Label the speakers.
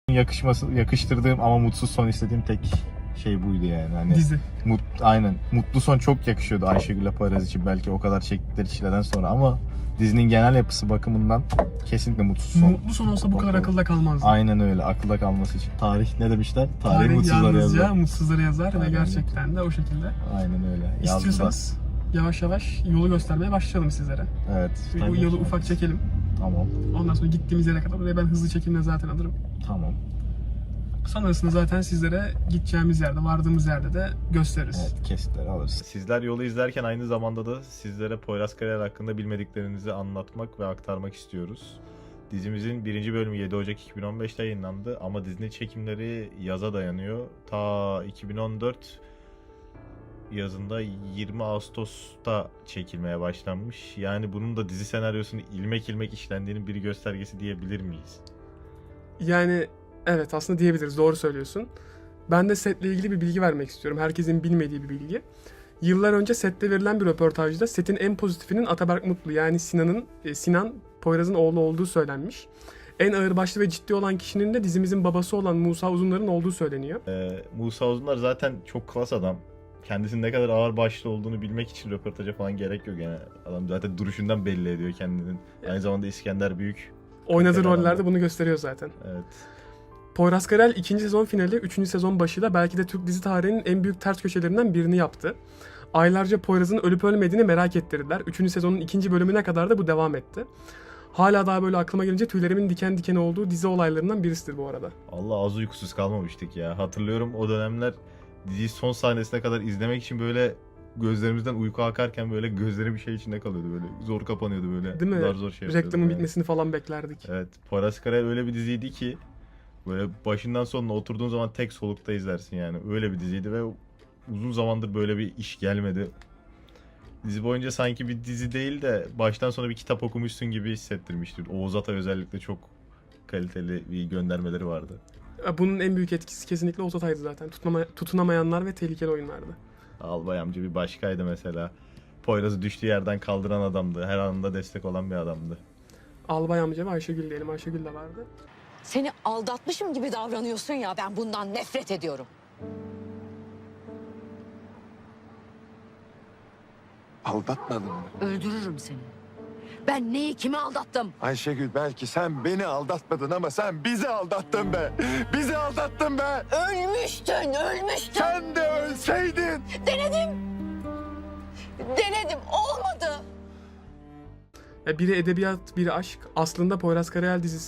Speaker 1: yakıştırdığım ama mutsuz son istediğim tek şey buydu yani. Hani
Speaker 2: Dizi.
Speaker 1: Aynen. Mutlu son çok yakışıyordu Ayşegül'le Poyraz için, belki o kadar çektikleri çileden sonra, ama dizinin genel yapısı bakımından kesinlikle mutsuz son.
Speaker 2: Mutlu son olsa bu kadar akılda kalmazdı.
Speaker 1: Aynen öyle. Akılda kalması için. Tarih ne demişler?
Speaker 2: Tarih
Speaker 1: mutsuzları
Speaker 2: yalnızca
Speaker 1: yazar.
Speaker 2: mutsuzları yazar ve
Speaker 1: Aynen.
Speaker 2: gerçekten de o şekilde.
Speaker 1: Aynen öyle.
Speaker 2: İstiyorsanız yavaş yavaş yolu göstermeye başlayalım sizlere.
Speaker 1: Evet.
Speaker 2: Bu yolu ufak çekelim.
Speaker 1: Tamam.
Speaker 2: Ondan sonra gittiğimiz yere kadar oraya ben hızlı çekimle zaten alırım.
Speaker 1: Tamam.
Speaker 2: Sonrasında zaten sizlere gideceğimiz yerde, vardığımız yerde de gösteririz.
Speaker 1: Evet, kesitleri alırız. Sizler yolu izlerken aynı zamanda da sizlere Poyraz Karayel hakkında bilmediklerinizi anlatmak ve aktarmak istiyoruz. Dizimizin 1. bölümü 7 Ocak 2015'te yayınlandı ama dizinin çekimleri yaza dayanıyor. Ta 2014 yazında 20 Ağustos'ta çekilmeye başlanmış. Yani bunun da dizi senaryosunun ilmek ilmek işlendiğinin bir göstergesi diyebilir miyiz?
Speaker 2: Yani evet, aslında diyebiliriz, doğru söylüyorsun. Ben de setle ilgili bir bilgi vermek istiyorum. Herkesin bilmediği bir bilgi. Yıllar önce sette verilen bir röportajda setin en pozitifinin Ataberk Mutlu, yani Sinan Poyraz'ın oğlu olduğu söylenmiş. En ağırbaşlı ve ciddi olan kişinin de dizimizin babası olan Musa Uzunlar'ın olduğu söyleniyor.
Speaker 1: Musa Uzunlar zaten çok klas adam. Kendisinin ne kadar ağır başlı olduğunu bilmek için röportaja falan gerek yok yani. Adam zaten duruşundan belli ediyor kendinin. Aynı zamanda İskender Büyük.
Speaker 2: Oynadığı
Speaker 1: Adam.
Speaker 2: rollerde bunu gösteriyor zaten.
Speaker 1: Evet.
Speaker 2: Poyraz Karayel 2. sezon finali 3. sezon başıyla belki de Türk dizi tarihinin en büyük ters köşelerinden birini yaptı. Aylarca Poyraz'ın ölüp ölmediğini merak ettirdiler. 3. sezonun 2. bölümüne kadar da bu devam etti. Hala daha böyle aklıma gelince tüylerimin diken diken olduğu dizi olaylarından birisidir bu arada.
Speaker 1: Allah, az uykusuz kalmamıştık ya. Hatırlıyorum o dönemler diziyi son sahnesine kadar izlemek için böyle gözlerimizden uyku akarken böyle gözlerim bir şey içinde kalıyordu, böyle zor kapanıyordu böyle.
Speaker 2: Değil mi?
Speaker 1: Zor şey yapıyordum
Speaker 2: Reklamın
Speaker 1: yani.
Speaker 2: bitmesini falan beklerdik.
Speaker 1: Evet. Poyraz Karayel öyle bir diziydi ki böyle başından sonuna oturduğun zaman tek solukta izlersin yani. Öyle bir diziydi ve uzun zamandır böyle bir iş gelmedi. Dizi boyunca sanki bir dizi değil de baştan sona bir kitap okumuşsun gibi hissettirmiştir. Oğuz Atay özellikle çok kaliteli bir göndermeleri vardı.
Speaker 2: Bunun en büyük etkisi kesinlikle Oğuz Atay'dı zaten. Tutunamayanlar ve tehlikeli oyunlardı.
Speaker 1: Albay amca bir başkaydı mesela. Poyraz'ı düştüğü yerden kaldıran adamdı. Her anında destek olan bir adamdı.
Speaker 2: Albay amca ve Ayşegül diyelim. Ayşegül de vardı.
Speaker 3: Seni aldatmışım gibi davranıyorsun ya, ben bundan nefret ediyorum.
Speaker 4: Aldatmadın mı?
Speaker 3: Öldürürüm seni. Ben neyi, kimi aldattım?
Speaker 4: Ayşegül, belki sen beni aldatmadın ama sen bizi aldattın be. Bizi aldattın be.
Speaker 3: Ölmüştün.
Speaker 4: Sen de ölseydin.
Speaker 3: Denedim, olmadı.
Speaker 2: Biri edebiyat, biri aşk. Aslında Poyraz Karayel dizisi